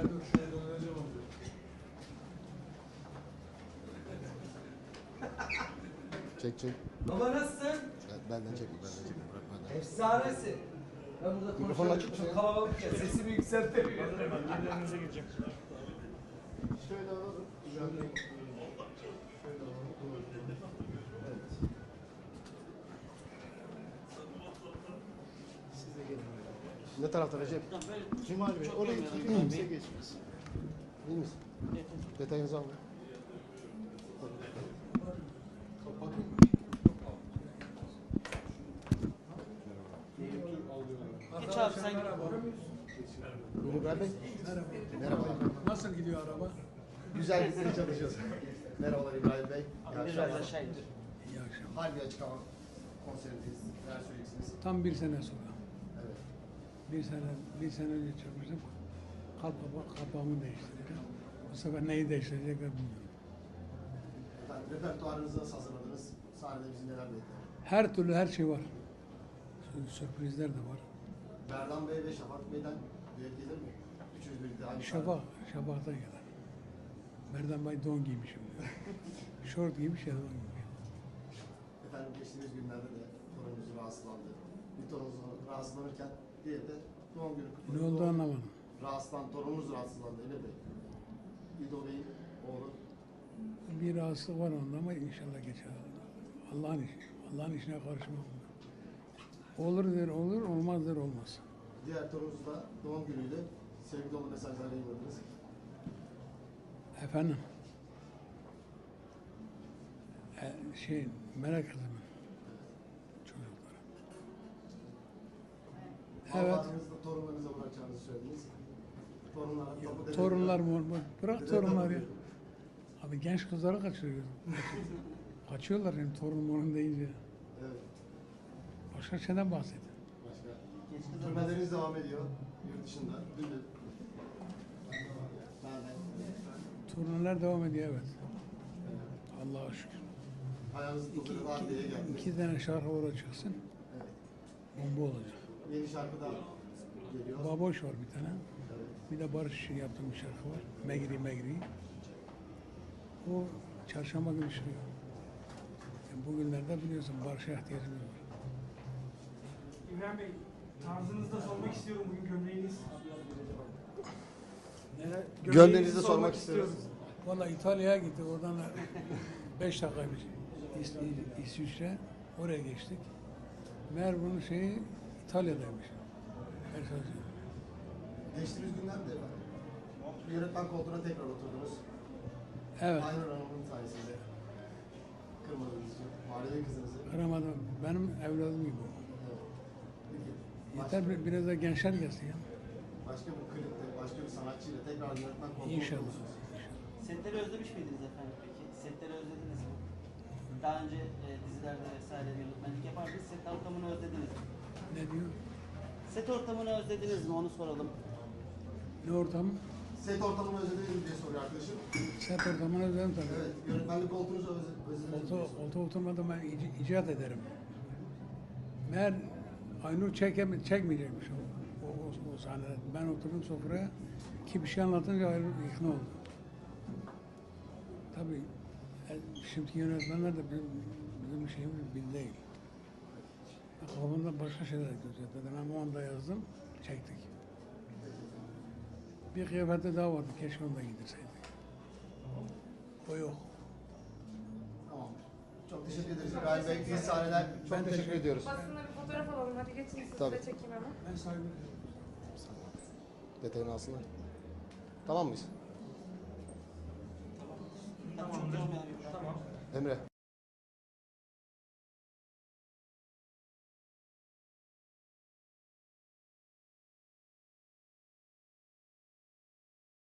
dur şuraya döneceğim amca. Çek. Baba nasılsın? Benden çek. Bırak benden. Efsanesin. Ben burada Mikrofonu açık konuşuyorum. mı? Çok kalabalık ya. Sesimi yükseltemiyorum. Yerlerinize gireceğim. Şöyle alalım. Şöyle alalım. Evet. Siz de gelin. Ne tarafta Recep? Cemal Bey, oraya kimse geçmez. İyi misin? Detayınızı alın. Geç abi sen. Buyurun İbrahim Bey. Merhaba. Nasıl gidiyor araba? Güzel gitmeye çalışıyoruz. Merhabalar İbrahim Bey. İyi Biraz akşamlar. aşağı indir. İyi akşamlar. Harbi Açık Hava konserindeyiz. Neler söyleyeceksiniz? Tam bir sene sonra. Evet. Bir sene önce çıkmıştım. Kapağımı değiştirdim. Bu sefer neyi değiştirecekler bilmiyorum. Efendim repertuarınızı nasıl hazırladınız? Sahnede bizi neler bekliyor? Her türlü her şey var. Sürprizler de var. Berdan Bey ve Şafak Bey'den düet gelir mi? Üçünüz birlikte aynı Şafak'ta gelir. Merdan Bey don giymişim. Şort giymiş ya don giymiş. Efendim geçtiğimiz günlerde de torununuz rahatsızlandı. Bir torununuz rahatsızlanırken diğeri de doğum günü kutladı. Ne oldu anlamadım. Torununuz rahatsızlandı Emre Bey. İdo Bey'in oğlu. Bir rahatsızlık var onda ama inşallah geçer. Allah'ın işi. Allah'ın işine karışmam. Olur der olur, olmaz der olmaz. Diğer torununuz da doğum günüydü. Sevgi dolu mesajlar yayınladınız. Efendim? Merak kızımın çocukları. Evet. Allah'ınızı torunlarınıza bırakacağınızı söylediniz. Torunlar mı? Bırak torunlar ya. Abi genç kızları kaçırıyor. Kaçıyorlar yani torun deyince. Evet. Başka şeyden bahset. Başka. Turneleriniz devam ediyor. Yurt dışında. Dün de. Turneler devam ediyor evet. Allah'a şükür. Ayağınızı tuttuğunuz adliyeye geldiniz. 2 tane şarkı orada çıksın. Evet. Bomba olacak. Yeni şarkı da geliyor. Baboş var bir tane. Evet. Bir de Barış için yaptığım bir şarkı var. Megri. O çarşamba günü çıkıyor. Yani bugünlerde biliyorsun Barış'a ihtiyacımız var. İbrahim Bey, tarzınızı da sormak istiyorum bugün gömleğiniz. Gönlünüzü sormak istiyoruz. Valla İtalya'ya gittik. Oradan 5 dakikaymış. İsviçre. Oraya geçtik. Meğer bunun şeyi İtalya'daymış. Geçtiğimiz günlerde efendim. Yönetmen koltuğuna tekrar oturdunuz. Evet. Aynur Hanım'ın sayesinde. Kırmadığınız için. Mahalle kızınızı. Kıramadım. Benim evladım gibi. Evet. Peki. Yeter biraz da gençler gelsin ya. Başka bir klipte, başka bir sanatçıyla tekrar yönetmen koltuğuna İnşallah. oturursunuz. Setleri özlemiş miydiniz efendim peki? Setleri özlediniz mi? Daha önce dizilerde vesaire yönetmenlik yapardınız. Set ortamını özlediniz mi? Ne diyor? Set ortamını özlediniz mi? Onu soralım. Ne ortam? Set ortamını özlediniz mi diye soruyor arkadaşım. Set ortamını özledim tabii. Evet, yönetmenlik koltuğunuzu özlediniz mi? Koltuğa oturmadan ben icat ederim. Meğer Aynur çekmeyecekmiş o sahnede. Ben oturdum sofraya ki bir şey anlatınca Aynur ikna oldu. Tabii şimdiki yönetmenler de bizim şeyimiz bil değil. Kafamda başka şeyler gözetledim. Ama onu da yazdım, çektik. Bir kıyafette daha vardı, keşke onu da giydirseydik. O yok. Tamam. Çok teşekkür ederiz İbrahim Bey. İyi sahneler. Çok teşekkür ediyoruz. Basınla bir fotoğraf alalım. Hadi geçin siz Tabii. de çekeyim hemen. Ben saygı Detayını alsınlar. Tamam mıyız? Tamam. Çok yormayalım. Emre.